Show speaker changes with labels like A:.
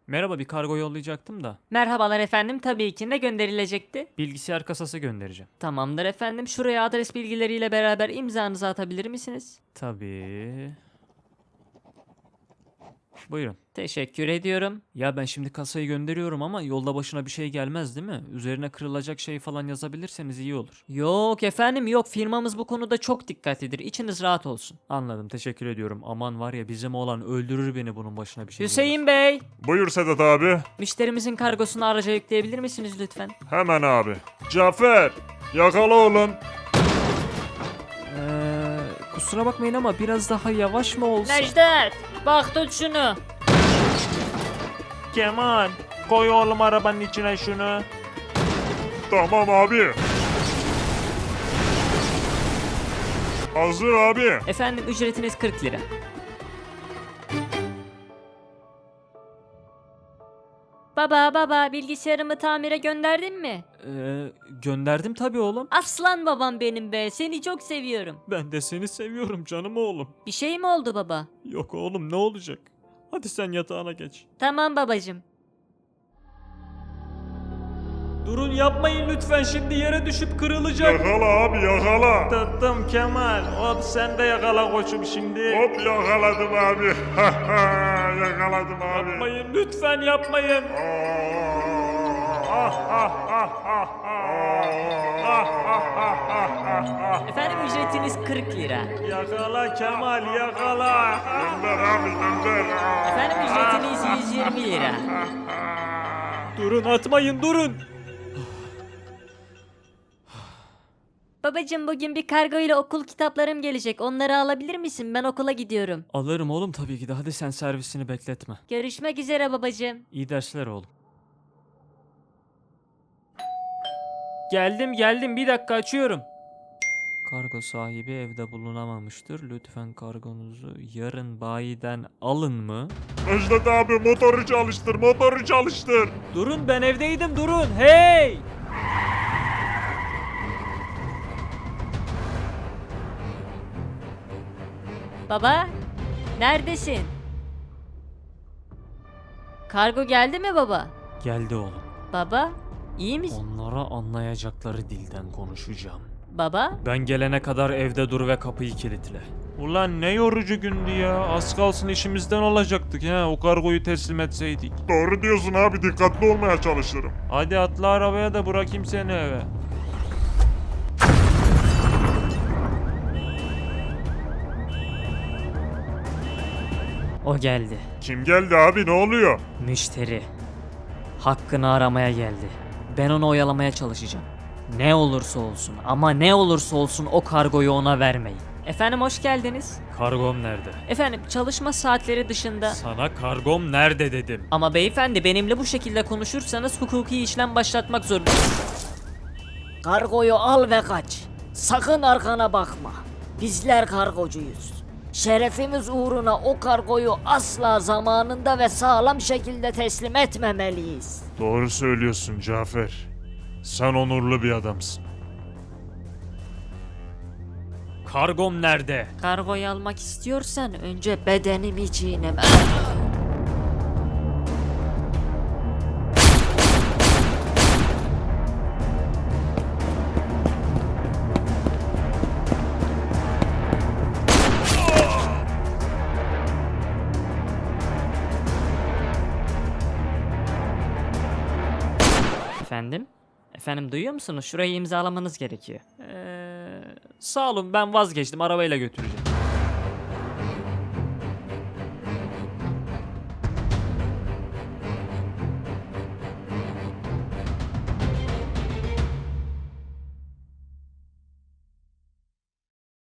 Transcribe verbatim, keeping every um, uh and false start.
A: Merhaba, bir kargo yollayacaktım da.
B: Merhabalar efendim, tabii ki ne gönderilecekti?
A: Bilgisayar kasası göndereceğim.
B: Tamamdır efendim, şuraya adres bilgileriyle beraber imzanızı atabilir misiniz?
A: Tabii. Buyurun.
B: Teşekkür ediyorum.
A: Ya ben şimdi kasayı gönderiyorum ama yolda başına bir şey gelmez değil mi? Üzerine kırılacak şey falan yazabilirseniz iyi olur.
B: Yok efendim yok, firmamız bu konuda çok dikkatlidir, içiniz rahat olsun.
A: Anladım, teşekkür ediyorum. Aman var ya, bizim oğlan öldürür beni bunun başına bir şey
B: Hüseyin Bey,
C: Buyur Sedat abi.
B: müşterimizin kargosunu araca yükleyebilir misiniz lütfen?
C: Hemen abi. Cafer, yakala oğlum.
A: Eee kusura bakmayın ama biraz daha yavaş mı olsa?
B: Necdet, bak tut şunu.
D: Kemal, koy oğlum arabanın içine şunu.
C: Tamam abi. Hazır abi.
B: Efendim ücretiniz kırk lira. Baba baba, bilgisayarımı tamire gönderdin mi?
A: Eee gönderdim tabii oğlum.
B: Aslan babam benim be, seni çok seviyorum.
A: Ben de seni seviyorum canım oğlum.
B: Bir şey mi oldu baba?
A: Yok oğlum, ne olacak? Hadi sen yatağına geç.
B: Tamam babacım.
A: Durun, yapmayın lütfen, şimdi yere düşüp kırılacak.
C: Yakala abi yakala.
D: Tuttum Kemal. Hop sen de yakala koçum şimdi.
C: Hop yakaladım abi. yakaladım abi.
A: Yapmayın lütfen, yapmayın.
B: Efendim ücretiniz kırk lira.
D: Yakala Kemal yakala.
C: Gönder abi gönder.
B: Efendim ücretiniz yüz yirmi lira.
A: Durun, atmayın, durun.
B: Babacım bugün bir kargo ile okul kitaplarım gelecek. Onları alabilir misin? Ben okula gidiyorum.
A: Alırım oğlum tabii ki de, hadi sen servisini bekletme.
B: Görüşmek üzere babacım.
A: İyi dersler oğlum. Geldim geldim, bir dakika, açıyorum. Kargo sahibi evde bulunamamıştır. Lütfen kargonuzu yarın bayiden alın mı?
C: Necdet abi motoru çalıştır motoru çalıştır.
A: Durun, ben evdeydim, durun. Hey!
B: Baba, neredesin? Kargo geldi mi baba?
A: Geldi oğlum.
B: Baba, iyi misin?
A: Onlara anlayacakları dilden konuşacağım.
B: Baba,
A: Ben gelene kadar evde dur ve kapıyı kilitle.
D: Ulan ne yorucu gündü ya. Az kalsın işimizden olacaktık ha. O kargoyu teslim etseydik.
C: Doğru diyorsun abi dikkatli olmaya çalışırım.
D: Hadi atla arabaya da bırakayım seni eve.
B: o geldi.
C: Kim geldi abi ne oluyor?
B: Müşteri. Hakkını aramaya geldi. Ben onu oyalamaya çalışacağım. Ne olursa olsun ama ne olursa olsun o kargoyu ona vermeyin. Efendim hoş geldiniz.
A: Kargom nerede?
B: Efendim çalışma saatleri dışında.
A: Sana kargom nerede dedim.
B: Ama beyefendi benimle bu şekilde konuşursanız hukuki işlem başlatmak zorundayım.
E: Kargoyu al ve kaç. Sakın arkana bakma. Bizler kargocuyuz. Şerefimiz uğruna o kargoyu asla zamanında ve sağlam şekilde teslim etmemeliyiz.
C: Doğru söylüyorsun Cafer. Sen onurlu bir adamsın.
A: Kargom nerede?
B: Kargoyu almak istiyorsan önce bedenimi çiğneme. Efendim? Efendim duyuyor musunuz? Şurayı imzalamanız gerekiyor.
A: Ee, sağ olun, ben vazgeçtim, arabayla götüreceğim.